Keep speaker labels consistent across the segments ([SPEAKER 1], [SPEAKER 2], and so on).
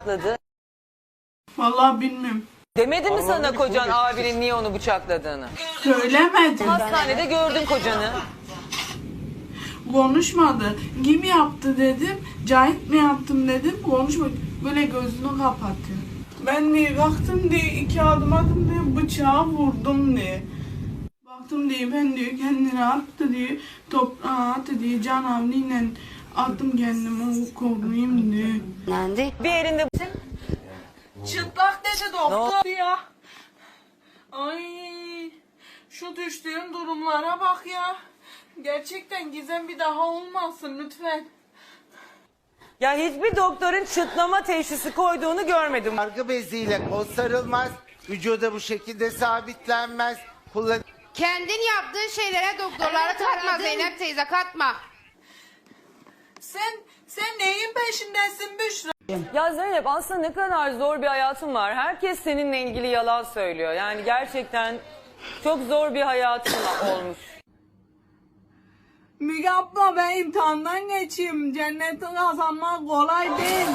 [SPEAKER 1] bıçakladı?
[SPEAKER 2] Vallahi bilmiyorum.
[SPEAKER 1] Demedi mi sana kocan abinin niye onu bıçakladığını?
[SPEAKER 2] Söylemedim.
[SPEAKER 1] Hastanede gördün kocanı.
[SPEAKER 2] Konuşmadı. Kim yaptı dedim. Cahit mi yaptım dedim. Konuşmadı. Böyle gözünü kapatıyor. Ben diye baktım diye 2 adım attım diye bıçağı vurdum diye. Baktım diye ben diyor kendini attı diye toprağa attı diye canavliyle attım kendimi koruyayım diye.
[SPEAKER 1] Bir elinde
[SPEAKER 2] Çıplak dedi doktor ya. Ay şu düştüğüm durumlara bak ya. Gerçekten Gizem bir daha olmasın lütfen.
[SPEAKER 1] ya hiçbir doktorun çıtlama teşhisi koyduğunu görmedim.
[SPEAKER 3] Sargı beziyle kol sarılmaz, vücuda bu şekilde sabitlenmez.
[SPEAKER 4] Kendin yaptığın şeylere doktorlara katma Zeynep teyze, katma.
[SPEAKER 2] Sen neyin peşindesin Büşra?
[SPEAKER 1] Ya Zeynep aslında ne kadar zor bir hayatın var. Herkes seninle ilgili yalan söylüyor. Yani gerçekten çok zor bir hayatın olmuş.
[SPEAKER 2] Müge abla ben imtihandan geçeyim. Cenneti kazanmak kolay değil.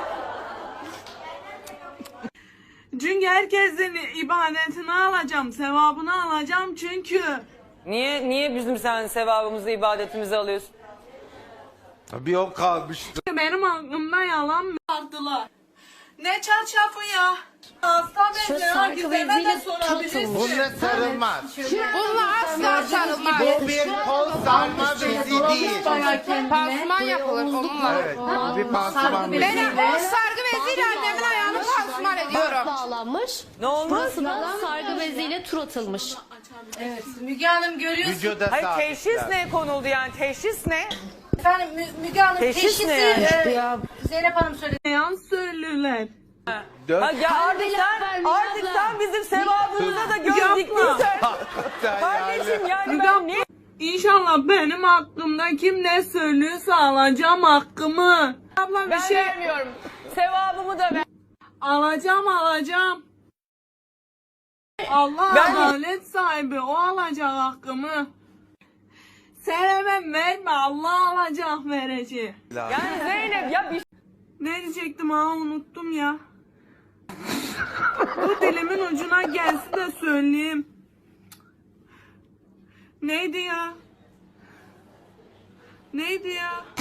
[SPEAKER 2] Çünkü herkesin ibadetini alacağım, sevabını alacağım çünkü.
[SPEAKER 1] Niye bizim sen sevabımızı, ibadetimizi alıyorsun?
[SPEAKER 3] Bir o kalmıştı.
[SPEAKER 2] Benim aklımda yalan mı vardılar? Ne çarşafı ya? Hasta benziyor. Gizem'e de sorabilirsin.
[SPEAKER 3] Bununla sarılmaz.
[SPEAKER 4] Bununla asla sarılmaz.
[SPEAKER 3] Bu bir kol sarma bezi değil.
[SPEAKER 4] Pansuman yapılır onunla.
[SPEAKER 3] Evet, bu bir pansuman bezi.
[SPEAKER 4] Ben o sargı beziyle annemin ayağını pansuman ediyorum.
[SPEAKER 5] Bağlanmış.
[SPEAKER 1] Ne olmuş?
[SPEAKER 5] Burasına sargı beziyle tur atılmış.
[SPEAKER 6] Müge Hanım görüyorsunuz.
[SPEAKER 3] Vücuda
[SPEAKER 1] Hayır
[SPEAKER 3] sabitlenmez.
[SPEAKER 1] teşhis ne konuldu yani? Teşhis ne?
[SPEAKER 6] Efendim Müge Hanım
[SPEAKER 1] Teşhis
[SPEAKER 6] teşhisi
[SPEAKER 1] ne yani?
[SPEAKER 6] Zeynep Hanım söyledi.
[SPEAKER 2] Yalan söylüyorlar.
[SPEAKER 1] Ha, ya artık sen bizim sevabımıza da göz diktiysen. Kardeşim yani ben ne?
[SPEAKER 2] İnşallah benim hakkımda kim ne söylüyorsa alacağım hakkımı. Abla bir
[SPEAKER 1] Ben
[SPEAKER 2] şey
[SPEAKER 1] vermiyorum. Sevabımı da ver.
[SPEAKER 2] alacağım. Allah
[SPEAKER 1] Ben-
[SPEAKER 2] adalet sahibi o alacak hakkımı. Sen hemen verme Allah alacak verecek.
[SPEAKER 1] Yani Zeynep ya bir
[SPEAKER 2] Ne diyecektim ha unuttum ya. Bu dilimin ucuna gelsin de söyleyeyim. Neydi ya?